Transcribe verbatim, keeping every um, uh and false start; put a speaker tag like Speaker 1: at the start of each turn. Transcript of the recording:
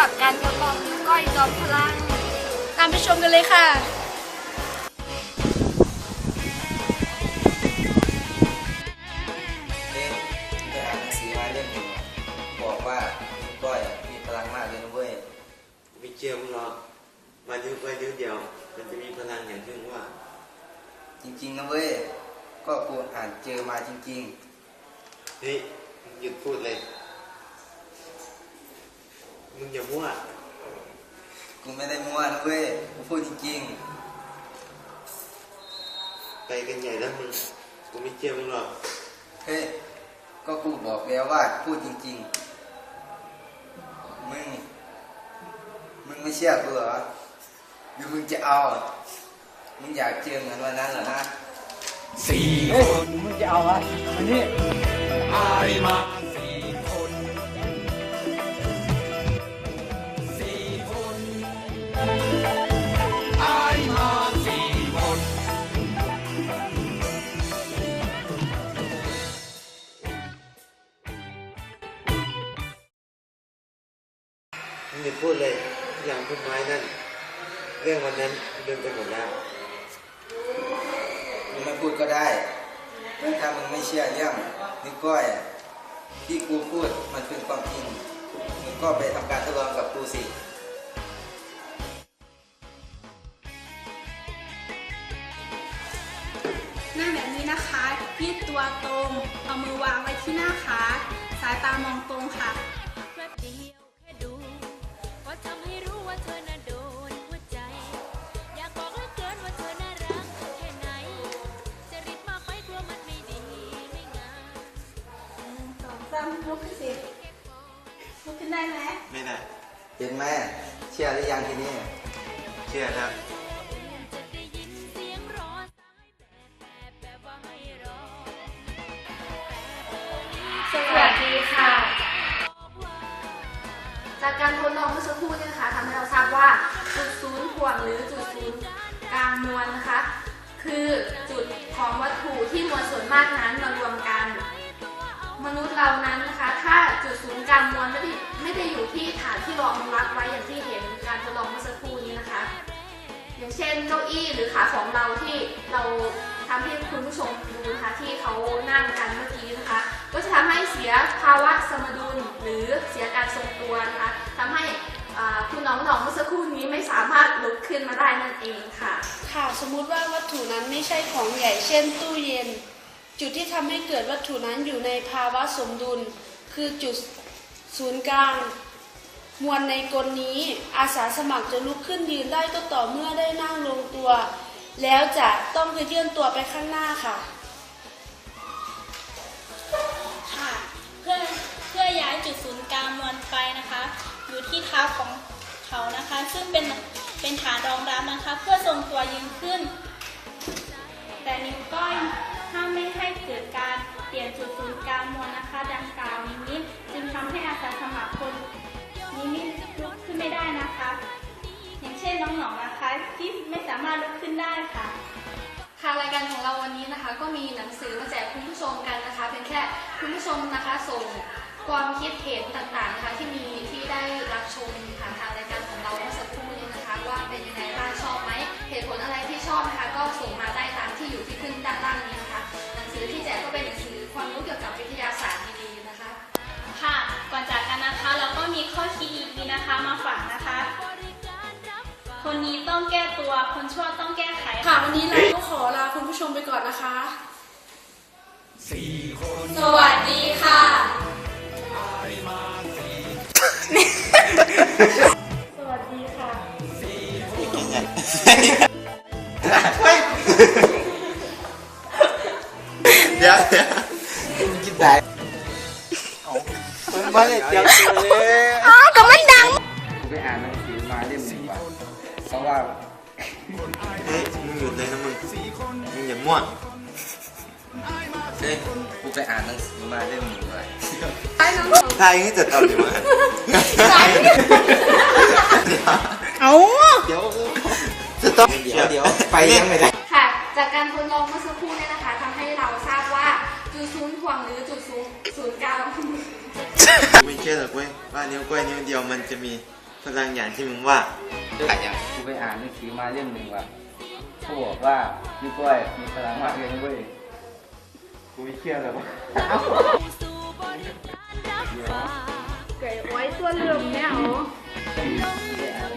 Speaker 1: กับการทดลองนิ้วก้อยจอมพลัง
Speaker 2: ตามไปชมกันเลยค่ะ
Speaker 3: เอ๊ะไปอ่านหนังสือมาเล่มหนึ่งบอกว่านิ้วก้อยมีพลังมากเลยนะเว้ย
Speaker 4: ไม่เชื่อมึงหรอกมานิ้วก้อยนิ้วเดียวมันจะมีพลังอย่างที่มึงว่า
Speaker 3: จริงๆนะเว้ยก็กูอ่านเจอมาจริง
Speaker 4: ๆเฮ้ยมึงหยุดพูดเลยมึงอย่ามั่ว
Speaker 3: กูไม่ได้มั่วนะเว้ยกูพูดจริง
Speaker 4: ๆไปกันใหญ่แล้วมึงกูไม่เชื่อมึงหรอก
Speaker 3: เฮ้ยก็กูบอกแล้วว่าพูดจริงๆมึงมึงไม่เชื่อกูเหรอหรือมึงจะเอามึงอยากเจอเหมือนวันนั้นเหรอนะ
Speaker 5: สี่คนมึงจะเอาอะไรมันนี่อายมาสี่คนสี่คนอายมาสี่คน
Speaker 4: มึงอย่าพูดเลยอย่างต้นไม้นั่นเรื่องวันนั้นลืมไปหมดแล้ว
Speaker 3: มึงไม่พูดก็ได้ถ้ามึงไม่เชื่อเรื่องนิ้วก้อยที่กูพูดมันเป็นความจริงมึงก็ไปทำการทดลองกับกูสิ
Speaker 2: นั่งแบบนี้นะคะยืดตัวตรงเอามือวางไว้ที่หน้าขาสายตามองตรงค่ะลุกขึ้นสิลุกขึ้นได้ไหม
Speaker 4: ไม่ได้
Speaker 3: เห็นไหมเชื่อหรือยังทีนี้
Speaker 4: เชื่อครับ
Speaker 1: สวัสดีค่ะจากการทดลองเมื่อสักครู่นี้นะคะทำให้เราทราบว่าจุดศูนย์ถ่วงหรือจุดศูนย์กลางมวลนะคะคือจุดของวัตถุที่มวลส่วนมากนั้นมารวมกันมนุษย์เรานั้นนะคะถ้าจุดศูนย์กลางมวลไม่ได้ไม่ได้อยู่ที่ฐานที่รองรับไว้อย่างที่เห็นการทดลองเมื่อสักครู่นี้นะคะอย่างเช่นเก้าอี้หรือขาของเราที่เราทำให้คุณผู้ชมดูนะคะที่เขานั่งกันเมื่อกี้นะคะก็จะทำให้เสียภาวะสมดุลหรือเสียการทรงตัวนะคะทำให้คุณน้องๆเมื่อสักครู่นี้ไม่สามารถลุกขึ้นมาได้นั่นเองค่ะ
Speaker 2: ค่ะสมมุติว่าวัตถุนั้นไม่ใช่ของใหญ่เช่นตู้เย็นจุดที่ทำให้เกิดวัตถุนั้นอยู่ในภาวะสมดุลคือจุดศูนย์กลางมวลในกลนี้อาสาสมัครจะลุกขึ้นยืนได้ก็ต่อเมื่อได้นั่งลงตัวแล้วจะต้องเคลื่อนตัวไปข้างหน้าค่ะ
Speaker 6: ค่ะเพื่อเพื่อย้ายจุดศูนย์กลางมวลไปนะคะอยู่ที่เท้าของเขานะคะซึ่งเป็นเป็นฐานรองรับนะคะเพื่อทรงตัวยืนขึ้นแต่นิ้วก้อยถ้าไม่ให้เกิดการเปลี่ยนจุดศูนย์กลางมวลนะคะดังกล่าวนี้จึงทำให้อาสาสมัครคนนี้ไม่ลุกขึ้นไม่ได้นะคะอย่างเช่นน้องๆนะคะที่ไม่สามารถลุกขึ้นได้ค่ะ
Speaker 1: ทางรายการของเราวันนี้นะคะก็มีหนังสือมาแจกคุณผู้ชมกันนะคะเพียงแค่คุณผู้ชมนะคะส่งความคิดเห็นต่างๆนะคะที่มีที่ได้รับชมผ่านทางรายการของเราเมื่อสักครู่นี้นะคะว่าเป็นยังไงบ้างชอบไหมเหตุผลอะไรที่ชอบนะคะก็ส่งมาได้ตามที่อยู่ที่ขึ้นด้านล่างนี้นะคะหนังสือที่แจกก็เป็นหนังสือความรู้เกี่ยวกับวิทยาศาสตร์ดีๆนะคะ
Speaker 6: ค่ะก่อนจากกันนะคะเราก็มีข้อคิดอีกทีนะคะมาฝากนะคะคนนี้ต้องแก้ตัวคนชั่วต้องแก้ไข
Speaker 2: ค่ะวันนี้เราก็ขอลาคุณผู้ชมไปก่อนนะคะ
Speaker 5: สี่คน
Speaker 1: สวัสดีค่ะ
Speaker 2: สวัสดีค่ะ
Speaker 4: เดี๋ยวเดี๋ยวคิดได้มาเลยเดี๋ยวเลย
Speaker 1: อ๋อก็มันดัง
Speaker 3: กูไปอ่านหนังสือมาเล่มหนึ่งว่ะเพราะว่า
Speaker 4: เฮ้ยมึงหยุดเลยนะมึงมึงอย่ามั่ว
Speaker 3: เฮ้ยกูไปอ่านหนังสือมาเล่มหนึ่งว่ะ
Speaker 4: ทายให้จัดเอาดีมั้ย
Speaker 1: เอา
Speaker 4: เดี๋ยวจะต้อง
Speaker 3: เดี๋ยวเดี๋ยวไปยังไม่ได้
Speaker 1: ค่ะจากการทดลองเมื่อสักครู่นี้นะคะทำให้เราทราบว่าจุดศูนย์ถ่วงหรือจุดศูนย์ศูนย์กลาง
Speaker 4: ไม่เชื่อหรอกเว้ยว่านิ้วก้อยนิ้วเดียวมันจะมีพลังอย่างที่มึงว่า
Speaker 5: กูไปอ่านหนังสือมาเล่มหนึ่งว่ะเขาบอกว่านิ้วก้อยมีพลังมากเลยนะเว้ย
Speaker 4: กูไม่เชื่อเลยวะ
Speaker 2: ไก่ไว้ตัวเรื่องเนี่ยเหรอ
Speaker 5: ไม่ได้อ่าน